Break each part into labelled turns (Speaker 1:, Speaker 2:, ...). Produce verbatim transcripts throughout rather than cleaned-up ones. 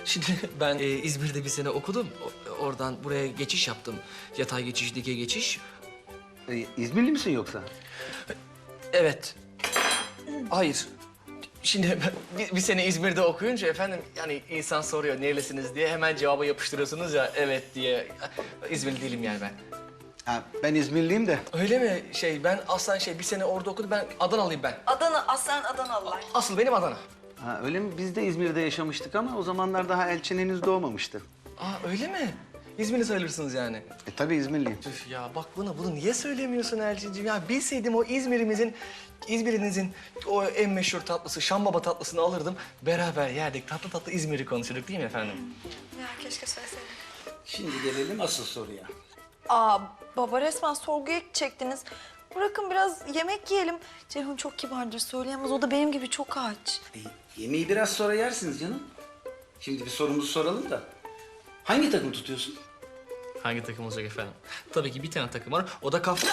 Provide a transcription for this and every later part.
Speaker 1: Şimdi ben e, İzmir'de bir sene okudum. O- oradan buraya geçiş yaptım. Yatay geçiş, dikey geçiş.
Speaker 2: Ee, İzmirli misin yoksa?
Speaker 1: Evet. Hayır. Şimdi ben bir, bir sene İzmir'de okuyunca efendim yani insan soruyor nerelisiniz diye hemen cevabı yapıştırıyorsunuz ya evet diye. İzmirli değilim yani ben.
Speaker 2: Ha, ben İzmirliyim de.
Speaker 1: Öyle mi? Şey ben aslen şey bir sene orada okudum. Ben Adanalıyım ben.
Speaker 3: Adana, aslen Adanalılar.
Speaker 1: Asıl benim Adana.
Speaker 2: Ha, öyle mi? Biz de İzmir'de yaşamıştık ama o zamanlar daha Elçin henüz doğmamıştı.
Speaker 1: Aa öyle mi? İzmirli sayılırsınız yani.
Speaker 2: E tabii İzmirliyim.
Speaker 1: Üf ya bak bana bunu niye söylemiyorsun Elçinciğim? Ya bilseydim o İzmir'imizin, İzmir'inizin o en meşhur tatlısı, Şambaba tatlısını alırdım. Beraber yerdik, tatlı tatlı İzmir'i konuşurduk değil mi efendim?
Speaker 3: Ya keşke söyleseydin.
Speaker 2: Şimdi gelelim asıl soruya.
Speaker 3: Aa baba resmen sorguya çektiniz. Bırakın biraz yemek yiyelim. Ceyhun çok kibardır söyleyemez. O da benim gibi çok aç.
Speaker 2: E, yemeği biraz sonra yersiniz canım. Şimdi bir sorumuzu soralım da. Hangi takım tutuyorsun?
Speaker 1: Hangi takım olacak efendim? Tabii ki bir tane takım var, o da kaf...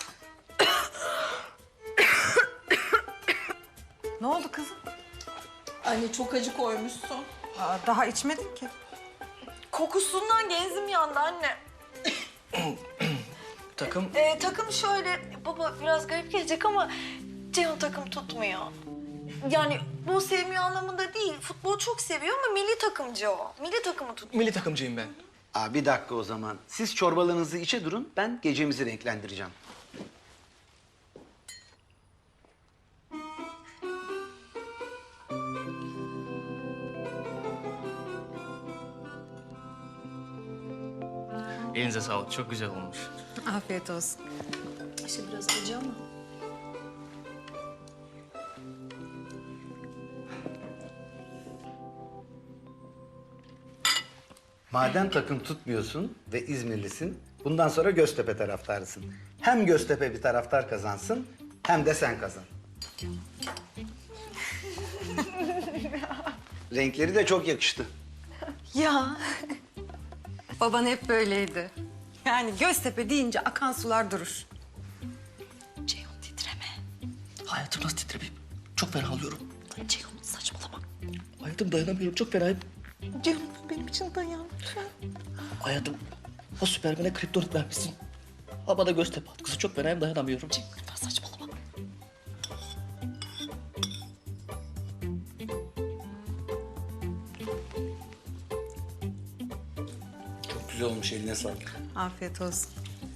Speaker 4: Ne oldu kızım?
Speaker 5: Anne çok acı koymuşsun.
Speaker 4: Aa, daha içmedin ki.
Speaker 3: Kokusundan genzim yandı anne.
Speaker 1: Takım...
Speaker 3: Ee, takım şöyle, baba biraz garip gelecek ama Ceyhun takım tutmuyor. Yani bu sevmiyor anlamında değil. Futbol çok seviyor ama milli takımcı o. Milli takımı tut.
Speaker 1: Milli takımcıyım ben.
Speaker 2: Aa, bir dakika o zaman. Siz çorbalarınızı içe durun, ben gecemizi renklendireceğim.
Speaker 1: Elinize sağlık, çok güzel olmuş.
Speaker 4: Afiyet olsun.
Speaker 3: İşte biraz acı ama.
Speaker 2: Madem takım tutmuyorsun ve İzmirlisin, bundan sonra Göztepe taraftarısın. Hem Göztepe bir taraftar kazansın, hem de sen kazan. Renkleri de çok yakıştı.
Speaker 3: Ya.
Speaker 4: Baban hep böyleydi. Yani Göztepe deyince akan sular durur.
Speaker 3: Ceyhun titreme.
Speaker 1: Hayatım nasıl titremeyeyim? Çok fena alıyorum.
Speaker 3: Ceyhun saçmalama.
Speaker 1: Hayatım dayanamıyorum, çok fenayım.
Speaker 3: Ceyhun benim için dayan lütfen.
Speaker 1: Hayatım, o Süpermen'e kriptonit vermişsin. Ama da Göztepe atkısı çok fenayım, dayanamıyorum.
Speaker 3: Ceyhun lütfen saçmalama.
Speaker 2: Çok güzel olmuş, eline sağlık.
Speaker 4: Afiyet olsun.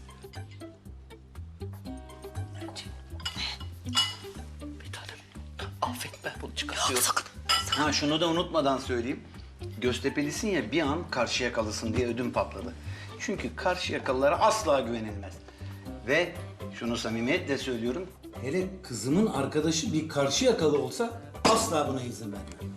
Speaker 1: Bir tanem, affet ben bunu çıkartıyorum.
Speaker 3: Sakın.
Speaker 2: Ha, şunu da unutmadan söyleyeyim. Göztepelisin ya, bir an Karşıyakalısın diye ödüm patladı. Çünkü Karşıyakalılara asla güvenilmez. Ve şunu samimiyetle söylüyorum, hele kızımın arkadaşı bir Karşıyakalı olsa asla buna izin vermem.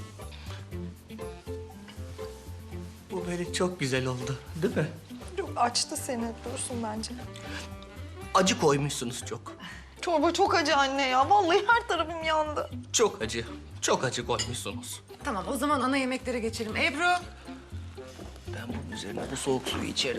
Speaker 1: Bu böyle çok güzel oldu, değil mi?
Speaker 3: Çok açtı seni. Dursun bence.
Speaker 1: Acı koymuşsunuz çok.
Speaker 3: Çorba çok acı anne ya. Vallahi her tarafım yandı.
Speaker 1: Çok acı, çok acı koymuşsunuz.
Speaker 4: Tamam o zaman ana yemeklere geçelim. Ebru.
Speaker 1: Ben bunun üzerine bu soğuk suyu içerim.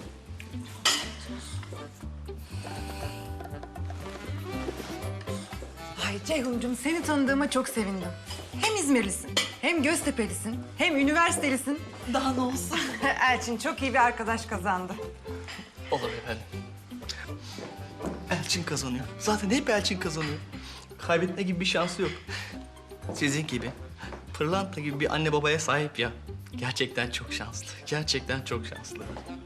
Speaker 4: Ay Ceyhuncuğum seni tanıdığıma çok sevindim. Hem İzmirlisin, hem Göztepelisin, hem üniversitelisin.
Speaker 3: Daha ne olsun?
Speaker 4: Elçin çok iyi bir arkadaş kazandı.
Speaker 1: Olur efendim. Elçin kazanıyor. Zaten hep Elçin kazanıyor. Kaybetme gibi bir şansı yok. Sizin gibi, pırlanta gibi bir anne babaya sahip ya. Gerçekten çok şanslı. Gerçekten çok şanslı.